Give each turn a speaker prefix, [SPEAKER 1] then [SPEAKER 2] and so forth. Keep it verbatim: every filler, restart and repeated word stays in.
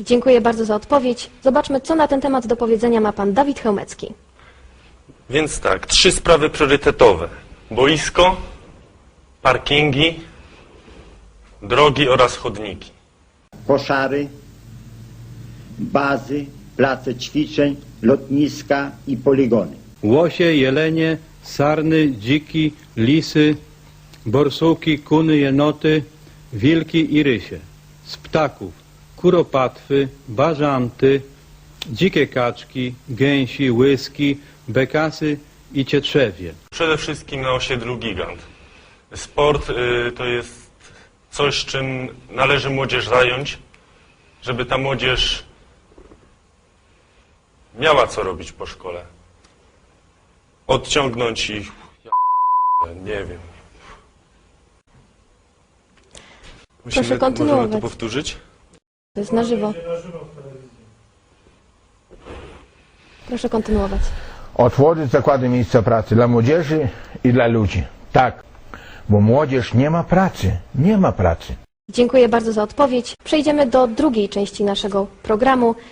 [SPEAKER 1] Dziękuję bardzo za odpowiedź. Zobaczmy, co na ten temat do powiedzenia ma pan Dawid Chełmecki.
[SPEAKER 2] Więc tak, trzy sprawy priorytetowe. Boisko, parkingi, drogi oraz chodniki.
[SPEAKER 3] Koszary, bazy, place ćwiczeń, lotniska i poligony.
[SPEAKER 4] Łosie, jelenie, sarny, dziki, lisy, borsuki, kuny, jenoty, wilki i rysie. Z ptaków kuropatwy, bażanty, dzikie kaczki, gęsi, łyski, bekasy i cietrzewie.
[SPEAKER 2] Przede wszystkim na osiedlu Gigant. Sport y, to jest coś, czym należy młodzież zająć, żeby ta młodzież miała co robić po szkole. Odciągnąć ich, ja nie wiem. Musimy,
[SPEAKER 1] Proszę kontynuować.
[SPEAKER 2] Możemy to powtórzyć?
[SPEAKER 1] To jest na żywo. Proszę kontynuować.
[SPEAKER 5] Otworzyć zakłady miejsca pracy dla młodzieży i dla ludzi. Tak, bo młodzież nie ma pracy, nie ma pracy.
[SPEAKER 1] Dziękuję bardzo za odpowiedź. Przejdziemy do drugiej części naszego programu.